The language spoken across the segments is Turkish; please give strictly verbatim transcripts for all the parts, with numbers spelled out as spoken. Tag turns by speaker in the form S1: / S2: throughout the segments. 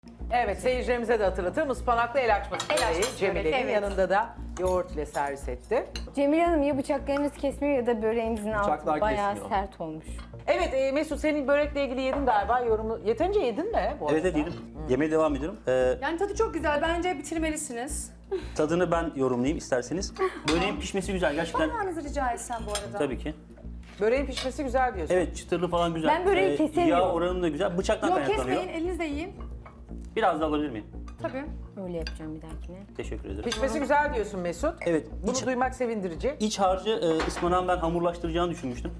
S1: Evet, seyircilerimize de hatırlatalım. Ispanaklı el açmasındayız.
S2: açması
S1: Cemile'nin
S2: börek, evet.
S1: yanında da yoğurt ile servis etti.
S3: Cemile Hanım ya bıçaklarınız kesmiyor ya da böreğinizin altı
S4: Bıçaklar
S3: bayağı
S4: kesmiyor.
S3: sert olmuş.
S1: Evet e, Mesut, senin börekle ilgili yedin galiba yorumu. Yeterince yedin mi? Bu
S5: Evet
S1: arada?
S5: evet yedim. Yemeğe devam ediyorum. Ee,
S2: Yani tadı çok güzel. Bence bitirmelisiniz.
S5: tadını ben yorumlayayım isterseniz. Böreğin pişmesi güzel gerçekten.
S2: Parmağınızı rica etsem bu arada.
S5: Tabii ki.
S1: Böreğin pişmesi güzel diyorsun.
S5: Evet çıtırlı falan güzel.
S3: Ben böreği kesemiyorum.
S5: Yağ oranı da güzel. Bıçaktan
S2: Yok
S5: kaynaklanıyor.
S2: kesmeyin, elinizle yiyin.
S5: Biraz da alabilir miyim?
S2: Tabii.
S3: Öyle yapacağım bir dahakine.
S5: Teşekkür ederim.
S1: Pişmesi güzel diyorsun Mesut.
S5: Evet.
S1: Bunu
S5: iç,
S1: duymak sevindirici.
S5: iç harcı e, ıspanağın ben hamurlaştıracağını düşünmüştüm.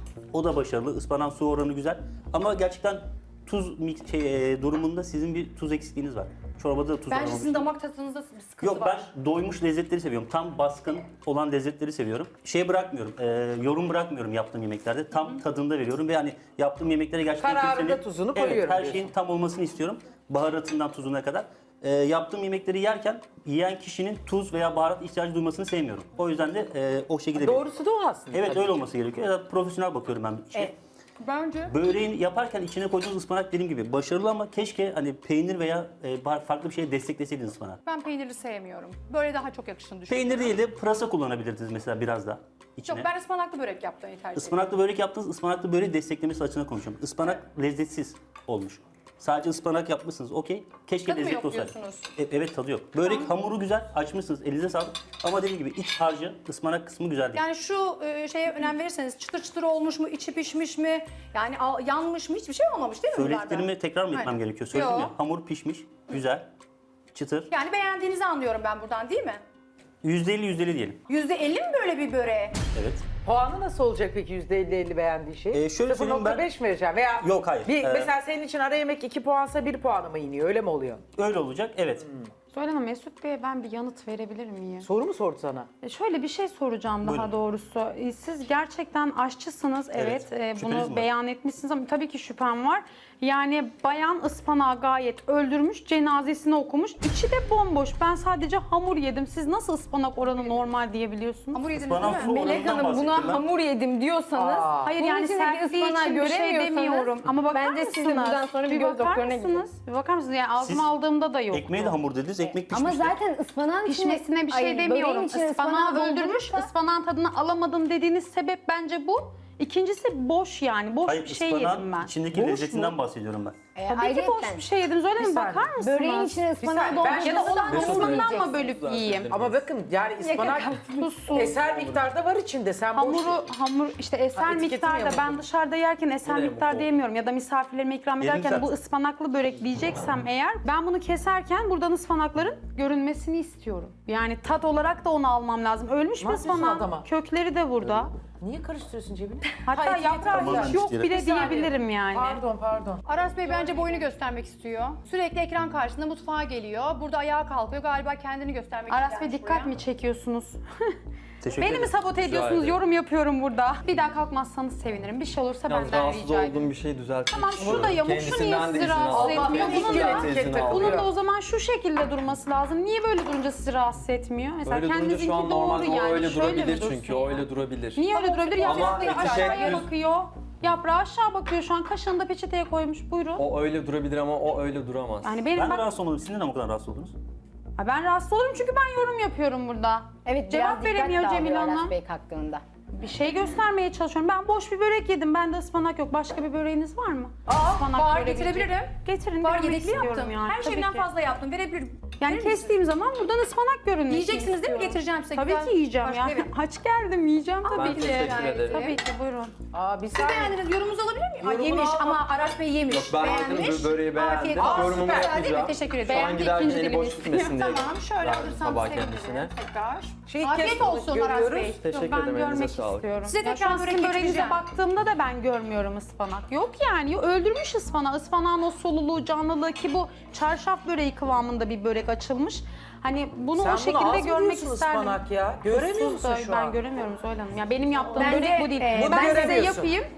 S5: O da başarılı. Ispanağın su oranı güzel. Ama gerçekten tuz mix, şey, e, durumunda sizin bir tuz eksikliğiniz var. Çorbada da tuz
S2: Bence
S5: olmamış.
S2: sizin damak tadınızda bir sıkıntı
S5: Yok
S2: var.
S5: ben doymuş lezzetleri seviyorum. Tam baskın olan lezzetleri seviyorum. Şey bırakmıyorum, e, yorum bırakmıyorum yaptığım yemeklerde. Tam tadında veriyorum ve hani yaptığım yemeklere gerçekten
S1: Kararında
S5: kimsenin-
S1: tuzunu
S5: evet,
S1: koyuyorum
S5: her
S1: diyorsun.
S5: şeyin tam olmasını istiyorum. Baharatından tuzuna kadar. E, yaptığım yemekleri yerken yiyen kişinin tuz veya baharat ihtiyacı duymasını sevmiyorum. O yüzden de e, o şekilde
S1: Doğrusu da o aslında.
S5: Evet
S1: tabii
S5: öyle
S1: ki.
S5: olması gerekiyor. Ya da profesyonel bakıyorum ben işe.
S2: Evet. Bence.
S5: Böreğin yaparken içine koyduğunuz ıspanak dediğim gibi başarılı ama keşke hani peynir veya e, bar- farklı bir şeye destekleseydiniz ıspanak.
S2: Ben peynirli sevmiyorum. Böyle daha çok yakıştığını düşünüyorum.
S5: Peynir değil de pırasa kullanabilirdiniz mesela biraz da içine.
S2: Yok ben ıspanaklı börek yapmayı tercih ediyorum.
S5: Ispanaklı börek yaptınız, ıspanaklı böreği desteklemesi açısından konuşuyorum. Ispanak lezzetsiz olmuş. Sadece ıspanak yapmışsınız, okey. Keşke
S2: Tadı mı
S5: lezzetli
S2: yok
S5: olsaydı.
S2: diyorsunuz?
S5: E- evet tadı yok. Börek hamuru güzel, açmışsınız, elinize sağlık. Ama dediğim gibi iç harcı, ıspanak kısmı güzel değil.
S2: Yani şu e, şeye önem verirseniz çıtır çıtır olmuş mu, içi pişmiş mi, yani al- yanmış mı, hiçbir şey olmamış değil mi bunlardan?
S5: Söylediklerimi tekrar mı etmem
S2: Aynen.
S5: gerekiyor? Söyledim
S2: Yo.
S5: ya, hamur pişmiş, güzel, çıtır.
S2: Yani beğendiğinizi anlıyorum ben buradan değil mi?
S5: yüzde elli yüzde elli diyelim.
S2: yüzde elli mi böyle bir böreğe?
S5: Evet.
S1: Puanı nasıl olacak peki yüzde elli elli beğendiği şey?
S5: Ee, şöyle söyleyeyim ben-
S1: beş mi vereceğim? Veya
S5: Yok, hayır.
S1: Bir,
S5: Ee,
S1: Mesela senin için ara yemek iki puansa bir puanı mı iniyor? Öyle mi oluyor?
S5: Öyle olacak, evet.
S6: Söyle Hanım, Mesut Bey'e ben bir yanıt verebilir miyim?
S1: Soru mu sordu sana?
S6: E, Şöyle bir şey soracağım daha
S5: Buyurun.
S6: doğrusu. E, Siz gerçekten aşçısınız, evet.
S5: Evet.
S6: E,
S5: Şüpheniz mi
S6: Bunu
S5: var?
S6: beyan etmişsiniz ama tabii ki şüphem var. Yani bayan ıspanağı gayet öldürmüş, cenazesini okumuş. İçi de bomboş. Ben sadece hamur yedim. Siz nasıl ıspanak oranı normal diyebiliyorsunuz?
S2: Hamur yediniz
S5: Ispanak
S2: değil
S5: su
S2: mi?
S5: oranından
S3: Melek Hanım
S5: bahsettim
S3: buna
S5: ben.
S3: hamur yedim diyorsanız,
S1: Aa.
S6: Hayır
S3: bunun
S6: yani
S3: içindeki
S6: sertliği
S3: ıspanağı
S6: için bir şey
S3: göremiyorsanız,
S6: demiyorum. Ama bakar
S3: bence
S6: mısınız?
S3: siz de buradan sonra bir göz
S6: bakar
S3: doktoruna gidin.
S6: mısınız? Bir bakar mısınız? Yani ağzıma
S5: Siz
S6: aldığımda da yok.
S5: Ekmeğe de hamur dediniz, ekmek pişmiş.
S3: Ama zaten ıspanağın içine...
S6: Pişmesine bir şey
S3: Ay,
S6: demiyorum.
S3: böreğin içine
S6: Ispanağı
S3: ıspanağı
S6: öldürmüş,
S3: doldurursa-
S6: ıspanağın tadını alamadım dediğiniz sebep bence bu. İkincisi boş yani. Boş
S5: Hayır,
S6: bir şey yedim
S5: ıspanağın
S6: ben.
S5: içindeki
S1: Boş
S5: lezzetinden
S1: mu?
S5: bahsediyorum ben.
S3: E,
S6: Tabii ki
S3: ayrıyetten,
S6: boş bir şey yediniz öyle mi?
S1: saniye.
S6: Bakar mısınız?
S3: Böreğin içine ıspanağı
S1: saniye, ben-
S3: doldurursa
S6: Ya da onun
S3: hamur
S6: hamurundan
S3: yiyeceksin.
S6: mı bölüp yiyeyim?
S1: Ama bakın yani ıspanak
S6: Tuzsuz.
S1: eser miktarda var içinde. Sen boş
S6: Hamuru, hamur işte eser
S1: Ha, etiketini
S6: miktarda
S1: yamultun.
S6: ben dışarıda yerken eser
S4: Yine
S6: miktarda
S4: yamuk
S6: yemiyorum ya da misafirlerime ikram
S5: Yerim
S6: ederken
S5: zaten.
S6: bu ıspanaklı börek diyeceksem eğer ben bunu keserken buradan ıspanakların görünmesini istiyorum. Yani tat olarak da onu almam lazım. Ölmüş
S1: Ne
S6: bir
S1: yapıyorsun
S6: ıspanak.
S1: adama?
S6: Kökleri de burada.
S1: Niye karıştırıyorsun cebine?
S6: Hatta
S1: Hayır,
S6: yaprağı
S5: tamamen
S6: hiç yok
S5: isterim.
S6: bile
S1: Bir saniye.
S6: diyebilirim yani.
S1: Pardon pardon.
S2: Aras Bey bence boyunu göstermek istiyor. Sürekli ekran karşısında mutfağa geliyor. Burada ayağa kalkıyor. Galiba kendini göstermek için
S6: Aras Bey
S2: gelmiş
S6: dikkat
S2: buraya.
S6: mi çekiyorsunuz?
S5: Teşekkür
S6: Beni mi
S5: ederim.
S6: sabote ediyorsunuz?
S4: ederim.
S6: Yorum yapıyorum burada. Bir daha kalkmazsanız sevinirim. Bir şey olursa
S4: Yalnız
S6: benden
S4: rahatsız
S6: rica
S4: olduğum
S6: ederim.
S4: bir şey düzeltmek
S6: Tamam, şu
S4: istiyorum.
S6: da yamuk, şu
S4: Kendisinden
S6: niye
S4: de
S6: sizi
S4: izin
S6: rahatsız
S4: aldım.
S6: etmiyor?
S1: Allah
S6: Bunun
S1: ilk
S6: da-
S1: etikette
S4: izin
S1: kalıyor.
S4: aldım.
S6: Bunun da o zaman şu şekilde durması lazım. Niye böyle durunca sizi rahatsız etmiyor? Mesela
S4: Öyle durunca
S6: kendinizinki
S4: şu an
S6: doğru
S4: normalde
S6: yani.
S4: o öyle
S6: Şöyle mi
S4: durabilir
S6: dursun
S4: çünkü
S6: yani?
S4: o öyle durabilir.
S6: Niye öyle durabilir?
S4: Ama
S6: Yaprağı
S4: iki
S6: aşağıya
S4: şey-
S6: bakıyor. Yaprağı aşağı bakıyor şu an. Kaşığını da peçeteye koymuş. Buyurun.
S4: O öyle durabilir ama o öyle duramaz.
S6: Yani benim
S5: Ben de
S6: bak...
S5: rahatsız olmadım. Siz neden bu kadar rahatsız oldunuz?
S6: Ha, ben rahatsız olurum çünkü ben yorum yapıyorum burada.
S3: Evet,
S6: Cevap
S3: biraz
S6: veremiyor
S3: dikkat
S6: Cemile
S3: dağılıyor Aras
S6: Hanım.
S3: Bey kalktığında.
S6: Bir şey göstermeye çalışıyorum. Ben boş bir börek yedim. Bende ıspanak yok. Başka bir böreğiniz var mı? Ispanak
S2: var,
S6: görebilecek.
S2: getirebilirim.
S6: Getirin.
S2: Var
S6: görmek
S2: yedekli
S6: istiyorum
S2: yaptım.
S6: yani.
S2: Her
S6: Tabii
S2: şeyden
S6: ki.
S2: fazla yaptım. Verebilirim.
S6: Yani
S2: Verir misiniz?
S6: kestiğim zaman buradan ıspanak görünmesini
S2: Yiyeceksiniz değil mi?
S6: istiyorum.
S2: Getireceğim size.
S6: Tabii
S2: Güzel.
S6: ki yiyeceğim
S2: Başka-
S6: ya.
S2: Evet.
S6: Aç geldim yiyeceğim tabii
S4: Ben
S6: ki.
S4: teşekkür ederim.
S6: Tabii ki buyurun.
S1: Aa bir
S2: Siz
S1: saniye.
S2: beğendiniz. Yorumunuzu alabilir miyim? Ay,
S1: Yorumunu
S2: yemiş
S1: al.
S2: ama Aras Bey yemiş.
S4: Yok, ben
S2: beğenmiş.
S4: yedim, böreği beğendim.
S2: Afiyet
S1: Aa,
S2: olsun.
S4: Yorumumu
S1: süper.
S2: Güzel değil mi?
S4: yapacağım.
S2: Teşekkür ederim.
S4: Şu an
S2: Beğendi,
S4: giderken
S2: ikinci
S4: eli
S2: dilimi
S4: boş
S2: istiyor.
S4: gitmesin diye.
S2: Tamam şöyle
S4: verdim
S2: alırsam
S4: tabağı
S2: sevinirim.
S4: kendisine.
S2: Tekrar.
S1: Şey,
S2: Afiyet
S1: kes-
S2: olsun Aras
S1: görüyoruz.
S2: Bey.
S4: Teşekkür
S6: ben
S4: ederim. Elinize
S6: görmek
S4: sağlık.
S6: istiyorum.
S2: Size
S6: Ya
S2: tekrar
S6: şu an
S2: börek
S6: sizin böreğinize
S2: getireceğim.
S6: baktığımda da ben görmüyorum ıspanak. Yok yani öldürmüş ıspanağı. Ispanağın o soluluğu, canlılığı ki bu çarşaf böreği kıvamında bir börek açılmış. Hani bunu
S1: Sen
S6: o
S1: bunu
S6: şekilde
S1: az mı
S6: görmek
S1: diyorsun
S6: isterdim.
S1: ıspanak ya? Göremiyor
S6: Tuzsuz
S1: musun
S6: da
S1: şu
S6: ben
S1: an?
S6: göremiyorum Zuhal Hanım. Ya benim yaptığım
S3: Bence,
S6: börek bu değil.
S3: e,
S1: Bunu
S6: ben size
S1: göremiyorsun.
S6: yapayım.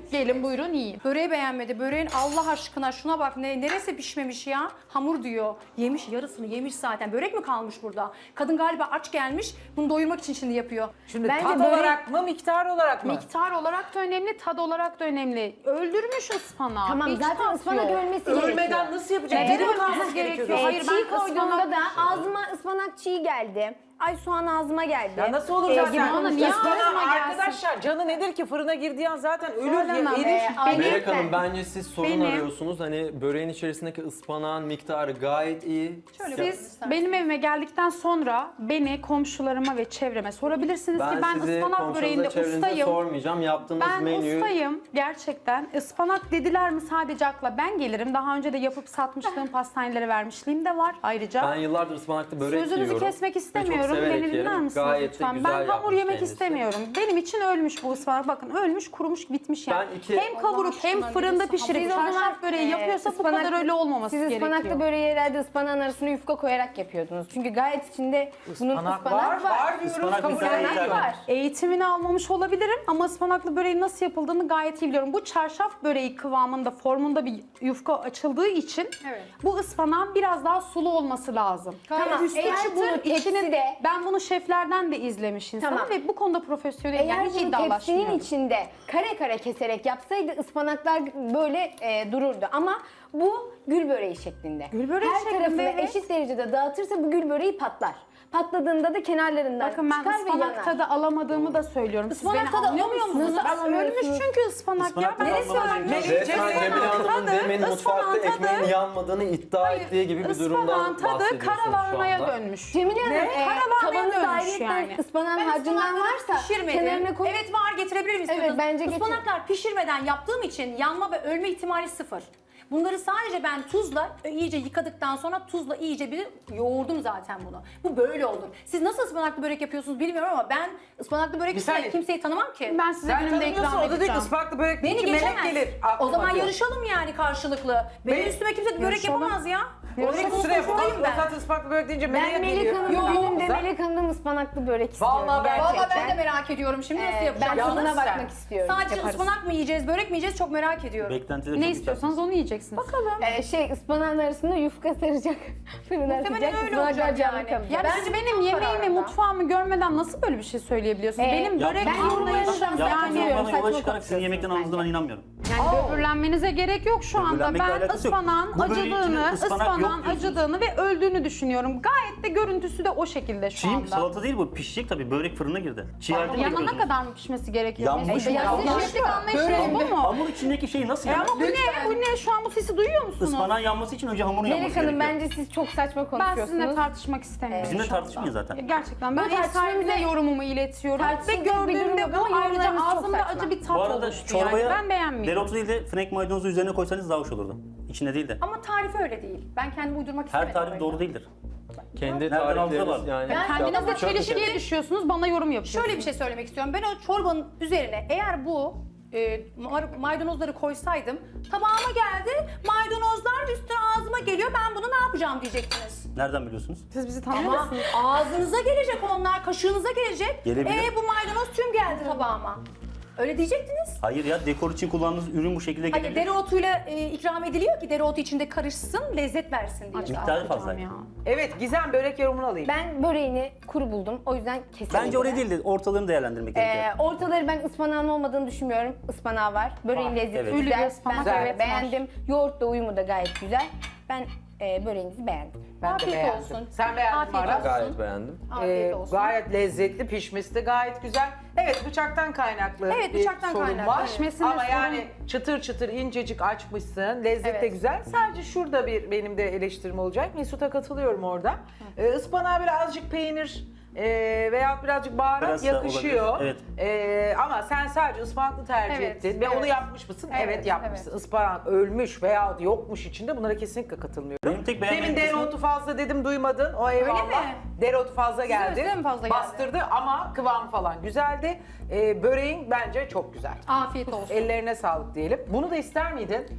S6: Gelin buyurun yiyin.
S2: Böreği beğenmedi. Böreğin Allah aşkına şuna bak ne neresi pişmemiş ya? Hamur diyor. Yemiş yarısını yemiş zaten. Börek mi kalmış burada? Kadın galiba aç gelmiş. Bunu doyurmak için şimdi yapıyor.
S1: Şimdi
S3: Bence
S1: tat
S3: börek-
S1: olarak mı, miktar olarak mı?
S6: Miktar olarak da önemli, tad olarak da önemli. Öldürmüş ıspanağı.
S3: Tamam
S6: Hiç
S3: zaten
S6: tat
S3: ıspanak
S6: yok.
S3: ölmesi gerekiyor.
S1: Ölmeden nasıl yapacak?
S6: Evet,
S1: Diri mi
S6: ölmesi
S1: kalması
S6: gerekiyor.
S1: gerekiyor?
S6: Hayır,
S3: Ee,
S6: ben
S3: çiğ koyduğumda
S6: ıspanak-
S3: da ağzıma ıspanak çiğ geldi. Ay soğan ağzıma geldi.
S1: Ya nasıl olur
S3: Ee,
S1: zaten?
S3: gibi
S6: ona niye
S1: Ispanağı
S6: ağzıma gelsin?
S1: arkadaşlar canı nedir ki fırına girdiği an zaten ölür
S6: Söylemem.
S1: ya erir.
S3: Ee, ay-
S4: Melek
S3: Ben-
S4: Hanım bence siz sorun
S6: Benim-
S4: arıyorsunuz. Hani böreğin içerisindeki ıspanağın miktarı gayet iyi.
S2: Şöyle
S6: Siz benim evime geldikten sonra beni komşularıma ve çevreme sorabilirsiniz ki
S4: Ben,
S6: ben
S4: sizi
S6: ıspanak böreğinde
S4: komşunuza çevrenize
S6: ustayım.
S4: sormayacağım. Yaptığınız
S6: Ben
S4: menüyü
S6: ustayım gerçekten. Ispanak dediler mi sadece akla ben gelirim. Daha önce de yapıp satmışlığım pastanelere vermişliğim de var ayrıca.
S4: ben yıllardır ıspanaklı börek
S6: Sözünüzü
S4: yiyorum.
S6: kesmek
S4: Ve çok
S6: istemiyorum.
S4: severek
S6: Beni dinler
S4: yerim.
S6: misiniz
S4: Gayet de
S6: lütfen?
S4: güzel
S6: Ben hamur
S4: yapmış
S6: yemek
S4: kendisi.
S6: istemiyorum. Benim için ölmüş bu ıspanak. Bakın ölmüş, kurumuş, bitmiş yani.
S4: Ben iki-
S6: Hem kavurup
S2: Allah
S6: hem
S2: aşkına
S6: fırında
S2: diyorsun.
S6: pişirip
S3: Siz o zaman,
S6: çarşaf böreği
S3: e,
S6: yapıyorsa bu
S3: ıspanak-
S6: kadar öyle olmaması
S3: Siz
S6: gerekiyor.
S3: ıspanaklı böreği herhalde ıspanağın arasına yufka koyarak yapıyordunuz. Çünkü gayet içinde bunun
S1: Ispanak
S3: ıspanak
S1: var,
S3: var.
S1: var diyoruz,
S5: Ispanak
S1: kabul
S5: güzel
S1: ediyorum.
S5: yeter.
S3: var.
S6: Eğitimini almamış olabilirim ama ıspanaklı böreğin nasıl yapıldığını gayet iyi biliyorum. Bu çarşaf böreği kıvamında, formunda bir yufka açıldığı için
S2: Evet.
S6: bu ıspanağın biraz daha sulu olması lazım.
S3: Tamam,
S6: Üstü
S3: eğer
S6: çıtır,
S3: bunu
S6: içinin-
S3: tepside-
S6: ben bunu şeflerden de izlemiş insanım
S3: Tamam.
S6: ve bu konuda profesyonelim.
S3: Eğer
S6: Yani hiç
S3: bunu tepsinin
S6: iddialaşmıyorum.
S3: içinde kare kare keserek yapsaydı ıspanaklar böyle e, dururdu. Ama bu gül böreği şeklinde.
S6: Gül böreği
S3: Her
S6: şeklinde,
S3: tarafına
S6: evet.
S3: eşit derecede dağıtırsa bu gül böreği patlar. Patladığında da kenarlarından
S6: Bakın ben
S3: çıkar ve
S6: ıspanak
S3: yanar.
S6: tadı alamadığımı da söylüyorum. Siz
S2: Ispanak
S6: beni
S2: tadı
S6: anlıyor
S2: alamıyor
S6: musunuz?
S3: musunuz?
S6: Ben ölmüş
S3: Alamıyorsunuz.
S6: çünkü ıspanak,
S5: Ispanak
S6: ya. Ben
S5: tadı
S6: neresi
S5: almadan
S6: ölmüş?
S5: önce-
S4: Resmen
S1: Cemile
S4: Cemile
S6: Hanım,
S4: Hanım'ın
S6: tadı,
S4: demin mutfakta
S6: ıspanağın tadı-
S4: ekmeğin yanmadığını iddia ettiği gibi bir durumdan
S6: Ispanağın tadı
S4: bahsediyorsunuz şu
S6: karalahanaya
S4: anda.
S6: dönmüş.
S3: Cemile Hanım, e,
S6: Karalahanaya
S3: tavanız
S6: dönmüş
S3: ayrıyetten
S6: yani.
S3: ıspanağın
S2: Ben
S3: harcından
S2: ıspanakları
S3: varsa
S2: pişirmedim.
S3: kenarına koy.
S2: Evet var getirebilir miyiz?
S3: Evet, bence getir.
S2: Ispanaklar pişirmeden yaptığım için yanma ve ölme ihtimali sıfır. Bunları sadece ben tuzla iyice yıkadıktan sonra tuzla iyice bir yoğurdum zaten bunu. Bu böyle olur. Siz nasıl ıspanaklı börek yapıyorsunuz bilmiyorum ama ben ıspanaklı börek
S1: Bir
S2: üstüne
S1: saniye.
S2: kimseyi tanımam ki.
S6: Ben size
S1: Sen
S6: günümde
S1: tanımıyorsun,
S6: ikram
S1: o da diyor ki
S6: edeceğim.
S1: ıspanaklı börek
S2: Beni
S1: deyince melek
S2: geçemez.
S1: gelir.
S2: O
S1: aklıma
S2: zaman
S1: diyor.
S2: yarışalım yani karşılıklı. Benim
S1: Be-
S2: üstüme kimse börek
S6: Yarışalım.
S2: yapamaz ya. Börek
S1: Yarışalım, sıraya
S2: konusundayım
S1: ben.
S2: ben.
S1: Zaten ıspanaklı börek deyince meleğe
S3: Ben Melek
S1: geliyor.
S3: Hanım'ın
S1: Yok,
S3: benim de
S1: güzel.
S3: Melek Hanım'ın ıspanaklı börek istiyorum.
S1: Vallahi ben-
S2: Valla ben
S3: gerçekten.
S2: de merak ediyorum şimdi nasıl
S3: Ee,
S2: yapacağım.
S3: ben
S1: Yalnız
S3: tadına
S1: sen-
S3: bakmak istiyorum.
S2: Sadece
S3: Yaparız.
S2: ıspanak mı yiyeceğiz, börek mi yiyeceğiz çok merak ediyorum.
S5: Beklentileri
S6: Ne
S5: çok
S6: istiyorsanız onu yiyeceksiniz. Bakalım.
S3: Ee, şey ıspanağın arasında yufka saracak. Fırına atacak.
S2: Muhtemelen öyle
S3: ıspanaklar
S2: olacak
S3: canlı
S2: yani.
S3: kalacak.
S6: Ya
S2: Ben
S6: siz
S2: de
S6: benim
S2: tam
S6: yemeğimi,
S2: kararında.
S6: mutfağımı görmeden nasıl böyle bir şey söyleyebiliyorsunuz?
S3: Ee,
S6: Benim börek
S3: ben yorumlarınızdan
S6: anlayışım
S5: Yaptığınız
S6: yani.
S5: yorumlardan yola
S3: saçma
S5: çıkarak sizin yemekten
S3: konuşuyorsunuz
S5: aldığınızda ben inanmıyorum.
S6: Yani böbürlenmenize gerek yok şu anda.
S5: Böbürlenmekle
S6: Ben
S5: alakası yok.
S6: ıspanağın
S5: Bu böreğin içinde
S6: acıdığını,
S5: ıspanak yok
S6: ıspanağın
S5: diyorsunuz.
S6: acıdığını ve öldüğünü düşünüyorum. Gayet de görüntüsü de o şekilde şu
S5: Çiğ
S6: anda.
S5: salata değil bu. Pişecek tabii. Börek fırına girdi. Çiğ halde mi
S6: Yanana
S5: yapıyorsunuz?
S6: kadar mı pişmesi gerekiyor?
S5: Yanmış
S6: Mesela?
S5: mı?
S6: Ya sizin
S5: Yanmış
S6: şeflik
S1: mı?
S6: anlayışınız bu mu?
S5: Hamur içindeki şey nasıl
S6: E
S5: yanar?
S6: ama bu ne? Bu ne? Şu an bu sesi duyuyor musunuz?
S5: Ispanağın yanması için önce hamurun yanması
S3: Melek Hanım
S5: gerekiyor.
S3: bence siz çok saçma
S6: Ben
S3: konuşuyorsunuz.
S6: sizinle tartışmak istemiyorum.
S5: Bizimle
S6: şu anda.
S5: tartışmayın zaten.
S6: Ya gerçekten ben
S3: Bu
S6: ev sahibine
S3: tartışmamıza-
S6: yorumumu iletiyorum ve
S3: tartışılacak bir durum
S6: gördüğümde
S3: yok
S6: bu
S3: ama
S6: ayrıca
S3: yorumlarınız çok
S6: ağzımda
S3: saçma.
S6: acı bir tat
S5: Bu arada
S6: oluştu yani.
S5: çorbaya
S6: Ben beğenmiyorum.
S5: dereotu değil de frenk maydanozu üzerine koysanız daha hoş olurdu. İçinde değil de.
S2: Ama tarifi öyle değil. Ben kendim uydurmak istemedim.
S5: Her tarif
S2: öyle.
S5: doğru değildir.
S4: Kendi
S5: Nereden aldığına
S4: tarifleriniz
S5: bağlı.
S4: yani.
S2: Ben
S6: Kendiniz de
S4: yapmak çok
S6: çelişkiye düşüyorsunuz, bana yorum yapıyorsunuz.
S2: Şöyle bir şey söylemek istiyorum. Ben o çorbanın üzerine eğer bu e, mar- maydanozları koysaydım tabağıma geldi maydanozlar üstüne ağzıma geliyor ben bunu ne yapacağım diyecektiniz.
S5: Nereden biliyorsunuz?
S6: Siz bizi tanıyor
S2: Ama
S6: musunuz?
S2: ağzınıza gelecek onlar, kaşığınıza gelecek.
S5: Gelebilir.
S2: E bu maydanoz tüm geldi tabağıma. Öyle diyecektiniz.
S5: Hayır ya, dekor için kullandığınız ürün bu şekilde
S2: Hani
S5: gelebilir.
S2: dereotuyla e, ikram ediliyor ki dereotu içinde karışsın, lezzet versin diye.
S5: Miktarı fazla.
S6: Ya.
S1: Evet Gizem börek yorumunu alayım.
S3: Ben böreğini kuru buldum. O yüzden kesinlikle.
S5: Bence oraya değil de ortalarını değerlendirmek gerekiyor.
S3: Ee, ortaları ben ıspanağın olmadığını düşünmüyorum. Ispanağı var. Böreğin
S1: Var,
S3: lezzeti
S5: evet.
S6: Ölü bir
S3: güzel.
S6: ıspanak,
S3: Ben
S6: evet,
S3: beğendim. Yoğurtla uyumu da gayet güzel. Ben e, böreğinizi beğendim.
S1: Ben de
S2: Afiyet
S1: beğendim.
S2: olsun.
S1: Sen beğendin mi
S2: Afiyet
S1: Aras?
S2: olsun.
S4: Gayet beğendim.
S2: Afiyet
S1: Ee,
S2: olsun.
S1: gayet lezzetli, pişmesi de gayet güzel. Evet bıçaktan kaynaklı
S2: Evet,
S1: bir
S2: bıçaktan
S1: sorun
S2: kaynaklı.
S1: var.
S6: Pişmesinde
S1: Ama
S6: sorun-
S1: yani çıtır çıtır incecik açmışsın. Lezzet de
S2: Evet.
S1: güzel. Sadece şurada bir benim de eleştirim olacak. Mesut'a katılıyorum orada. Ee, ıspanağa birazcık peynir e, veya birazcık baharat
S5: Biraz da
S1: yakışıyor.
S5: olabilir,
S1: Ee, ama sen sadece ıspanaklı tercih
S2: Evet,
S1: ettin ve
S2: evet.
S1: onu yapmış mısın? Evet,
S2: Evet,
S1: yapmışsın.
S2: evet.
S1: Ispanak ölmüş veya yokmuş içinde bunlara kesinlikle katılmıyorum.
S5: Benim tek beğenmediğim
S1: Demin
S5: kısmı-
S1: dereotu fazla dedim duymadın. O eyvallah.
S2: mi?
S1: Dereotu fazla geldi.
S2: öyle mi fazla geldi?
S1: Bastırdı ama kıvam falan güzeldi. Ee, böreğin bence çok güzel.
S2: Afiyet olsun.
S1: Ellerine sağlık diyelim. Bunu da ister miydin?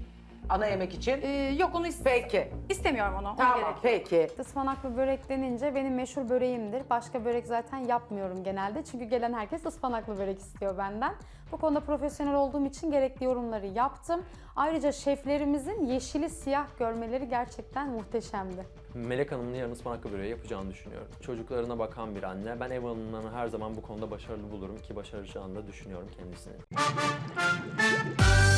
S1: ana yemek için.
S2: Ee, yok onu is-
S1: Peki.
S2: istemiyorum onu. ona
S1: Tamam
S2: gerek yok.
S1: peki.
S7: Ispanaklı börek denince benim meşhur böreğimdir. Başka börek zaten yapmıyorum genelde. Çünkü gelen herkes ıspanaklı börek istiyor benden. Bu konuda profesyonel olduğum için gerekli yorumları yaptım. Ayrıca şeflerimizin yeşili siyah görmeleri gerçekten muhteşemdi.
S4: Melek Hanım'ın yarın ıspanaklı böreği yapacağını düşünüyorum. Çocuklarına bakan bir anne. Ben ev hanımlarını her zaman bu konuda başarılı bulurum ki başaracağını da düşünüyorum kendisini.